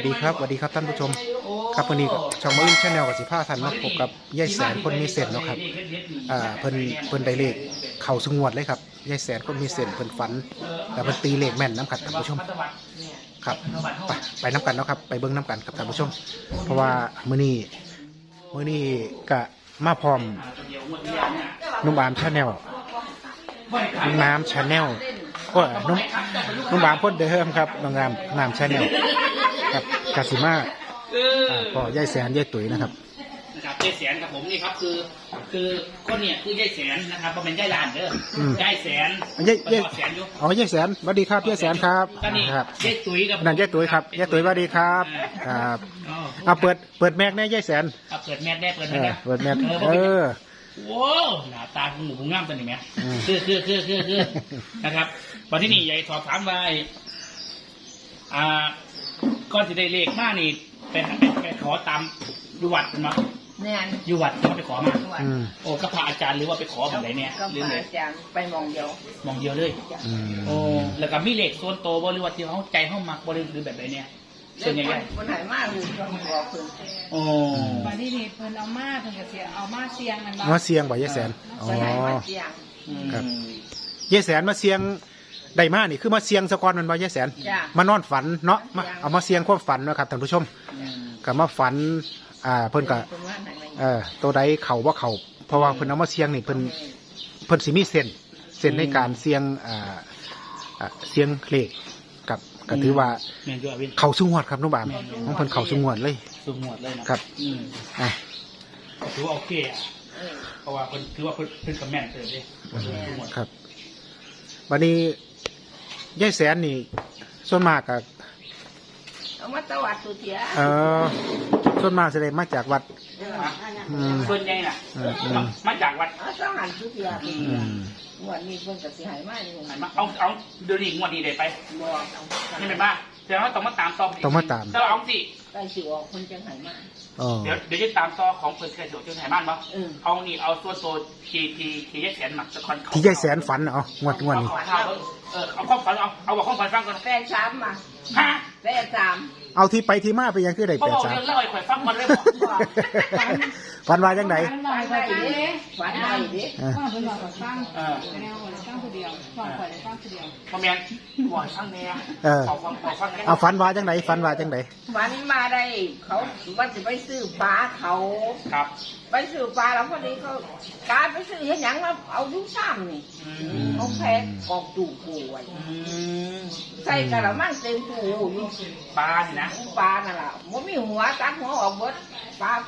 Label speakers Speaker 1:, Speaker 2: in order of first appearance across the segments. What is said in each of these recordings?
Speaker 1: ดีครับท่านผู้ชมครับวันนี้ช่องมื้อชาแนลกับสิผ้าทันมาพบกับยายแสนคนมีเส้นเนาะครับเพิ่นได้เลขเข่าสงวดเลยครับยายแสนคนมีเส้นเพิ่นฝันแต่เพิ่นตีเลขแม่นน้ำขัดท่านผู้ชมครับไปน้ำกันเนาะครับไปเบิ้งน้ำกันครับท่านผู้ชมเพราะว่ามื้อนี้ก็มาพร้อมนุ่มอามชาแนลน้ำชาแนลก็นุ่มอามพ่นเดิมครับน้ำชาแนลครับกาซิมาก็ยายแสนยายตุ๋ยนะครับ
Speaker 2: ยายแสนกับผมนี่ครับคือคนเนี่ยคือยายแสนนะครับเพราะเป็นยายลานเด้อยายแสนยายแสนอยู่
Speaker 1: อ๋อยายแสนสวัสดีครับยายแสนครับ
Speaker 2: ครับยายตุ๋ยกับ
Speaker 1: นั่นยายตุ๋ยครับยายตุ๋ยสวัสดีครับครับเปิดแม็กแน่ยายแสน
Speaker 2: เปิดแม็กแน่เปิดแม็กโว้หน้าตาของหมูงามตัวนี้ไหมคือนะครับวันที่นี่ยายสอบถามว่าก่อนจะได้เลขมานี่ไปขอตามอยู่วัดเป็นมั้ยอยู่วัดเขาไปขอมาโอ้ก็พระอาจารย์หรือว่าไปขอแบบไหนเนี่ย
Speaker 3: ก็พระอาจารย์ไปมองเดียวเลย
Speaker 2: โอ้แล้วก็มีเลขโซนโตบริวัติที่เขาใจเขามักบริหรือแบบไหนเนี่ยส่วนใหญ่
Speaker 3: คนหายมากเลยก็บอกเพิ่น
Speaker 2: โอ้
Speaker 4: วันที่นี่เพิ่นเอามาเพิ่นก็เสียเอามาเสียงมัน
Speaker 1: มาเสียงบ่ยายแสนอ๋อครับยายแสนมาเสียงได้มานี่คือมาเสียงสะกอนมันบ่ยายแสนมานอนฝันเนาะเอามาเสียงความฝันนะครับท่านผู้ชมก็มาฝันเพิ่นก็ตัวใดเข่าว่าเข่าเพราะว่าเพิ่นเอามาเสียงนี่เพิ่นสิมีเส้นในการเสียงเลขกับก็ถือว่าเข่าสูงหวดครับน้องบามของเพิ่นเข่าสูงหวดเลย
Speaker 2: นะครับถือว่าโอเคเพราะว่าเพิ่นถือว่าเพิ่นกับแม่นเติมเลย
Speaker 1: ครับวันนี้ยายแสนนี่ส่วนมากกับ
Speaker 3: เอามาตวัดสุเทีย
Speaker 1: ส่วนมากแสดงมาจากวัด
Speaker 2: ส่วนใหญ่น่ะมาจากวัด
Speaker 3: ต้องหันสุเทียวันนี้เพิ่นก็สิหายมากอยู่
Speaker 2: เอาเดี๋ยวนี้งวดนี้ได้ไปนี่เป็นบ้าแต่ว่าต้องมาตามต่อถ้าเราเอาสิ
Speaker 3: ได้สิออกคนจังหายมาก
Speaker 2: เดี๋ยวจะตามต่อของเพิ่นเคยสิออกจังหายมากบ่เอานี่เอาส่วนโตที่ยายแสนหมักตะคอน
Speaker 1: ที่ยายแสนฝันงวดนี้
Speaker 2: เอาข้อฝันเอาบอกข้อฝันฟังก่อน
Speaker 3: 83มา83
Speaker 1: เอาที่ไปที่มาไปยังคือได้83
Speaker 2: เขาบอกเรื่องเล่าให้ข่อยฟังมันเลยบอก
Speaker 1: ฝันว่าจังได๋
Speaker 3: ฝันได้ดิ
Speaker 4: ว่าเพิ่นว่าฟังแนวว่าฟังผู้เดียวฟังข่อยได้ฟังผู้เดียว
Speaker 2: บ่แม่นบ่ฟังแน่
Speaker 1: เอาฝันว่าจังได๋ฝันว่าจังได๋
Speaker 3: ฝันมาได้เขาว่าจะไปซื้อปลาเขา
Speaker 2: ครับ
Speaker 3: ไปซื้อปลาแล้วพอดีเขาการไปซื้อเฮ็ดหยังแล้วเอาดูซ้ำนี่เขาแพ็คกองตู้ปูไว้ใส่กระมังเต็มตู้อยู่
Speaker 2: ปลาสินะ
Speaker 3: ปลานั่นล่ะบ่มีหัวตัดหัวออกเบิดปลาแพ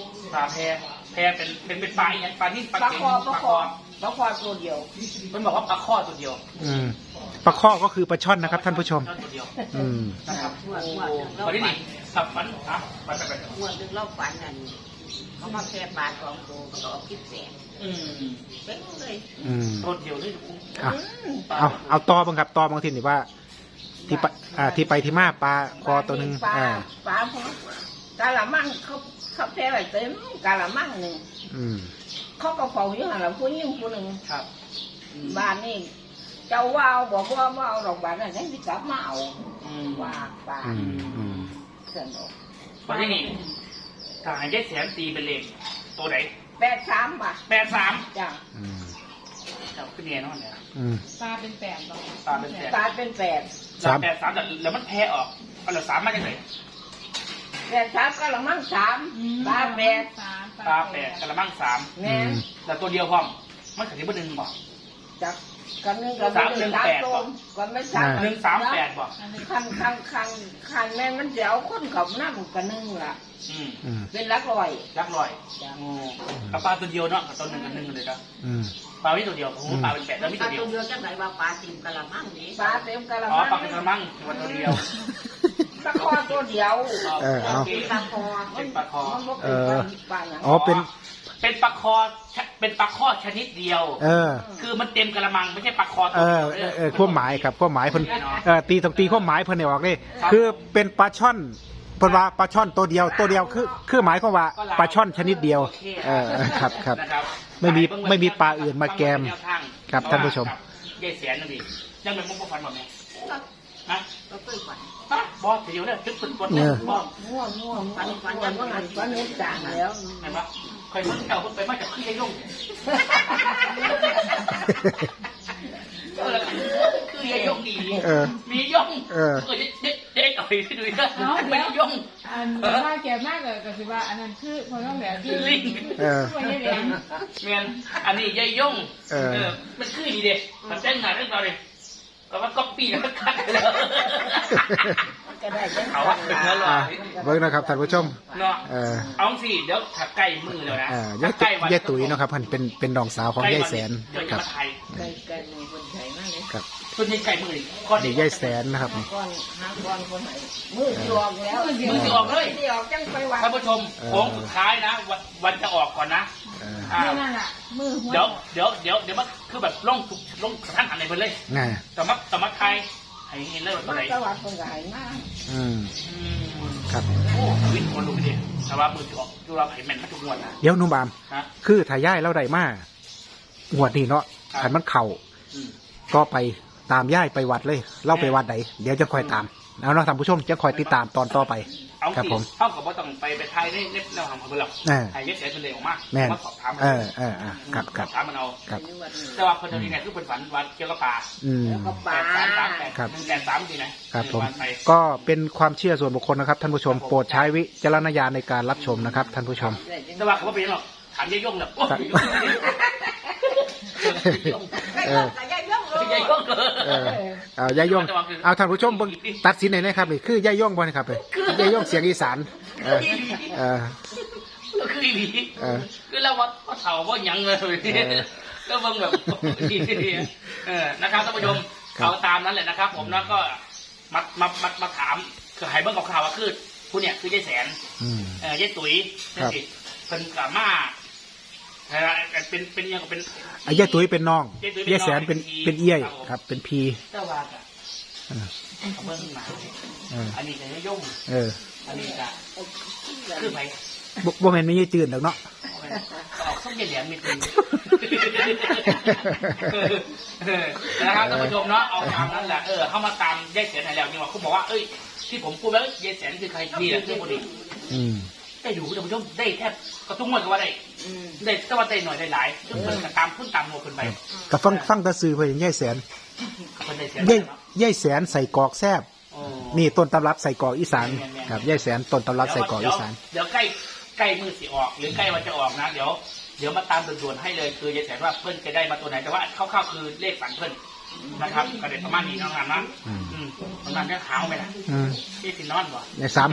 Speaker 2: เป็นปลาอย่างปลาที่
Speaker 3: ปลาคอตัวเดียว
Speaker 2: มันบอกว่าปลาข้อตัวเดียว
Speaker 1: ปลาข้อก็คือปลาช่อนนะครับท่านผู้ชม
Speaker 2: นะครับวันนี้สับฝันไป
Speaker 3: หัวดึกเล่าฝันนั่นเขามาแค่ปลา2ตัวก็เอาคิดแสนเป็นเลย
Speaker 2: ตัวเดียวเลย
Speaker 1: เอาต่อบ้างครับต่อบางทีนี่ว่าที่ไปที่มาปลาคอตัวนึง
Speaker 3: ปลาพกะละมังเขาแพ้ไว้เต็มกะละมังนึงเขาก็เฝ้าอยู่หั่นล่ะผู้หญิงผู้นึง
Speaker 2: ครับ
Speaker 3: บ้านนี่เจ้าว่าวบอกว่าเอาดอกบานนั่นยังสิกลับมาเอาว่าปลาสนุก
Speaker 2: วันนี้ทหารยายแสนตีเป็นเลขตัวไหน
Speaker 3: 83ป่ะ
Speaker 2: 83
Speaker 3: จ้ะ
Speaker 2: ครับขึ้นเนี่ยน้องเนี่ย
Speaker 4: ปลาเป็น8บ่
Speaker 3: ปลาเป็น8
Speaker 2: 3แล้วมันแพ้ออกเอาละ3มาจากไหน
Speaker 3: 83กะละมัง3ปลา8
Speaker 2: กะละมัง3
Speaker 3: แม่น
Speaker 2: แต่ตัวเดียวพร้อมมันขายบ่1บ่
Speaker 3: จักกันนึงก็3ตัวก่อนไม่
Speaker 2: 138บ่
Speaker 3: คันแม่มันจะเอาคนเขานำกันนึงล่ะเป็นหลักร้อย
Speaker 2: กับปลาตัวเดียวเนาะกับตัว1กับ1เลยครับปลาไม่ตัวเดียวผมปลาเป็น8แล้วไม่ตัวเดียว
Speaker 3: จังได๋ว่าปลาเต็มกะละมังนี่ปลาเต็มกะละมัง
Speaker 2: ปลาเป็นกะละมังตัวเดียว
Speaker 3: ปลาคอตัวเดียว
Speaker 2: เป็นปลาคอ
Speaker 1: เป็น
Speaker 2: ปลาคอชนิดเดียวคือมันเต็มกะละมังไม่ใช่ปลาคอตัวเดียว
Speaker 1: ความหมายครับความหมายเพิ่นตีความหมายเพิ่นให้ออกเลยคือเป็นปลาช่อนเพิ่นว่าปลาช่อนตัวเดียวคือหมายความว่าปลาช่อนชนิดเดียวครับไม่มีปลาอื่นมาแกมครับท่านผู้ชม
Speaker 2: ยายแสนนั่นดิยังเป็นมุกฟันหมดไหมฮะ
Speaker 3: ก็เคยฝัน
Speaker 2: บอสเดี๋ยวเนี่ยจุดบอสบอส
Speaker 3: ง่วงฟันยังว่างันฟันนี้จางแล้ว
Speaker 2: เห็นปะเคยมันเก่าคนไปมาจากขี้ไอ้ย่งคือไอ้ย่งดีมีย่งเด็กอ่อยดูดิไม่ย่ง
Speaker 4: อันว่าแก่มากเลยก็คือว่าอันนั้นคือพอต้องแบบคือ
Speaker 2: ลิง
Speaker 4: ไม่ได้แหลม
Speaker 2: เมียนอันนี้ยายย่งมันคือดีเด็กมันแต่งงานเรื่องเราเลยก็ว่าก๊อปปี้แล้วคัดแล้ว
Speaker 3: ก็ได้จัง
Speaker 2: เอาว่าเป็นแล้วหรอ
Speaker 1: เบิ่งนะครับท่านผู้ชม
Speaker 2: เนาะเอาสิเดี๋ยวถักใกล้มือแล้วนะ
Speaker 1: ยายตุ๋ยเนาะครับเพิ่นเป็นน้องสาวของยายแสน
Speaker 2: เดี๋ยว
Speaker 1: ค
Speaker 2: จะ
Speaker 1: รับ
Speaker 2: มาไทย
Speaker 3: ไก่มือคนไทยมากเลย
Speaker 1: ครับ
Speaker 2: ต้นนี้ไก่มือก้อน
Speaker 1: เด็กยายแสนนะครับ
Speaker 3: ก้อนหางก้อนคนไหนมือจวงแล้ว
Speaker 2: มือจะออกเลย
Speaker 3: ที่ออกจังไปวัด
Speaker 2: ท่านผู้ชมโค้งสุดท้ายนะวันจะออกก่อนนะ
Speaker 4: นั่นแหละมือหัว
Speaker 2: เดี๋ยวมันคือแบบล่องท่านอะไรไปเลย
Speaker 1: ง่าย
Speaker 2: แต่มาไทยให้เห็นเลยว่าตัว
Speaker 3: มา
Speaker 2: ไหน
Speaker 3: ตวัดคนไหนมาก
Speaker 1: ครับ
Speaker 2: โอ้วิ่งคนดูดิแต่ว่ามือจะออกดูเราไผ่แมนมาทุกงวดนะ
Speaker 1: เดี๋ยวนุ่มบาม
Speaker 2: ฮะ
Speaker 1: คือถ้าย่ายเราได้มากงวดนี้เนาะขันมันเข่าก็ไปตามย่ายไปวัดเลยเล่าไปวัดไหนเดี๋ยวจะคอยตามแล้วเนาะท่านผู้ชมจะคอยติดตามตอนต่อไป
Speaker 2: เอา
Speaker 1: ครับ
Speaker 2: สิ
Speaker 1: ผม
Speaker 2: เท่ากับว่าต้องไปไทยในแนวทางของเราไทยเย็ดเสียเป็นเด็กออกมา
Speaker 1: แม่น
Speaker 2: มาสอบถามมัน
Speaker 1: ครับครับ
Speaker 2: สอบถามมันเอา
Speaker 1: ครับ
Speaker 2: แต่ว่าคนเดียวนี่ไงคือเป็นฝันวันเกี่ยวกับป่า
Speaker 3: ก็ปลา
Speaker 2: 838 183ดีนะครับ
Speaker 1: ผม
Speaker 2: วันไป
Speaker 1: ก็เป็นความเชื่อส่วนบุคคลนะครับท่านผู้ชมโปรดใช้วิจารณญาณในการรับชมนะครับท่านผู้ชม
Speaker 2: แต่ว่าเขาไม่เป็นหรอกถามยายยงเนี่ยโอ้ย
Speaker 3: แต่ยายย่องเลย
Speaker 2: ยายยง
Speaker 1: เอาย่าย่องเอาท่านผู้ชมเบิ่งตัดสินหน่อยนะครับนี่คือย่าย่องบ่นะครับเลยย่าย่องเสียงอีสานเออ
Speaker 2: คือดีคือเราว่าเสาว่ายังเลยก็เบิ่งแบบนะครับท่านผู้ชมเอาตามนั้นแหละนะครับ ผมแล้วก็มาถามคือหายเบิ่งข่าวว่าคือผู้เนี่ยคือยายแสนยายตุ๋ยเป็นกาม่าเป็นยังเป็น
Speaker 1: ย่าตุ้ยเป็นน้องย่าแสนเป็นเอี้ยครับเป็นพี
Speaker 2: เจ้าว่าเขาเบิ่งมาอันนี้จะยายงอันนี้จะคือไป
Speaker 1: บ่แม่นไม่ใช่จืดดอกเนาะ
Speaker 2: ออกส้มเหลี่ยมนิดนึงนะครับท่านผู้ชมเนาะเอาตามนั้นแหละเข้ามาตามยายแสนไหนแล้วนี่ว่าคุณบอกว่าเอ้ยที่ผมพูดแล้วยายแสนคือใครนี่แหละคือคนนี้ได้ดูท่านผู้ชมได้แทบกระตุ้งหมดก็ว่าได้แต่ว่าได้หน่อยได้หลายซึ่งเพิ่นก็ตามพุ่นตามโมขึ้นไป
Speaker 1: ก็ฟังตะซื้อเพิ่นย่าแสน
Speaker 2: คนได้แสน
Speaker 1: ย่าแสนใส่กรอกแซ่บนี่ต้นตำรับใส่กรอกอีสานครับย่าแสนต้นตำรับใส่กรอกอีสาน
Speaker 2: เดี๋ยวใกล้มือสิออกหรือใกล้วันจะออกนะเดี๋ยวมาตามด่วนๆให้เลยคือยายแสนว่าเพิ่นจะได้มาตัวไหนแต่ว่าคร่าวๆคือเลขฝันเพิ่นนะครับกระเด็นประมาณนี้น้องงานนะประมาณนี้ขาวไหมล่ะที่สินอนบ่
Speaker 1: ในซ้ำ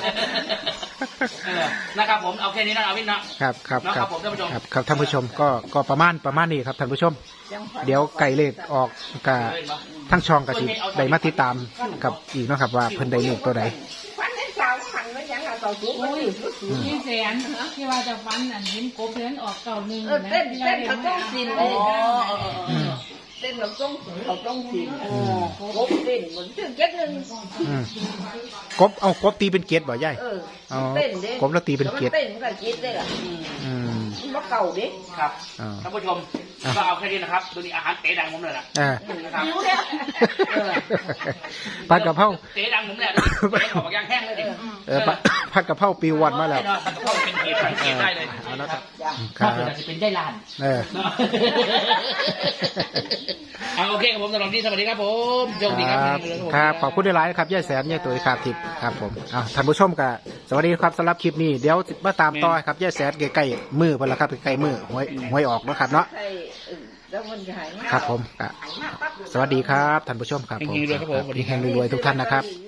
Speaker 2: นะครับผมเอาแค่นี้นะเอาวินนะครับผมท่านผู้ชม
Speaker 1: ครับท่านผู้ชมก็ประมาณนี้ครับท่านผู้ชม เดี๋ยวไก่เลขออกกับทั้งช่องกับที่ได้มาติดตามกับอีกเนาะครับว่าเพิ่นได้เลขตัวใด
Speaker 3: ฟันในสาวขันไว้ยังอ่ะต่อสู้มันอยู่
Speaker 4: ยี่แสนที่ว่าจะฟันอันเห็นกบเล่นออกเก่าหนึ่ง
Speaker 3: เต้นเขาต้องสินเลยเต้นเราต้องสินกบเต้นเหมือนเจ็ดหนึ่ง
Speaker 1: กบตีเป็นเกตบ่ใหญ่
Speaker 3: เต้นเด้
Speaker 1: กบแล้วตีเป็นเกต
Speaker 3: เต้นมันก็คิดได้ล่ะมันเก่าดิ
Speaker 2: ครับท่านผู้ชมก็เอาแค่นี้นะครับดูนี่อาหารเต๋ดังผมเลยนะนะครับ
Speaker 1: ผัดกะเพรา
Speaker 2: เต๋ดังผมเนี่ยขอบย่างแห้งเลยดิ
Speaker 1: ผัดกะเพราปีวันมาแล้ว
Speaker 2: ผัดกะเพราเป็นเกตได้เลย
Speaker 1: เอาละครับ
Speaker 2: ครับจะเป็นได้ลานโอเคครับผมสำหรับที่สวัสดีครับผมโชคดีครับ
Speaker 1: ครับขอบคุณหลายๆครับย่าแสนย่าตุ๋ยครับทิพย์ครับผมท่านผู้ชมก็สวัสดีครับสำหรับคลิปนี้เดี๋ยวมาตามต่อครับย่าแสนใกล้ๆมือเพิ่นละครับใกล้ๆมือหวยออกนะครับเนาะครับผมสวัสดีครับท่านผู้ชมครับผมแห่งรวยๆทุกท่านนะครับ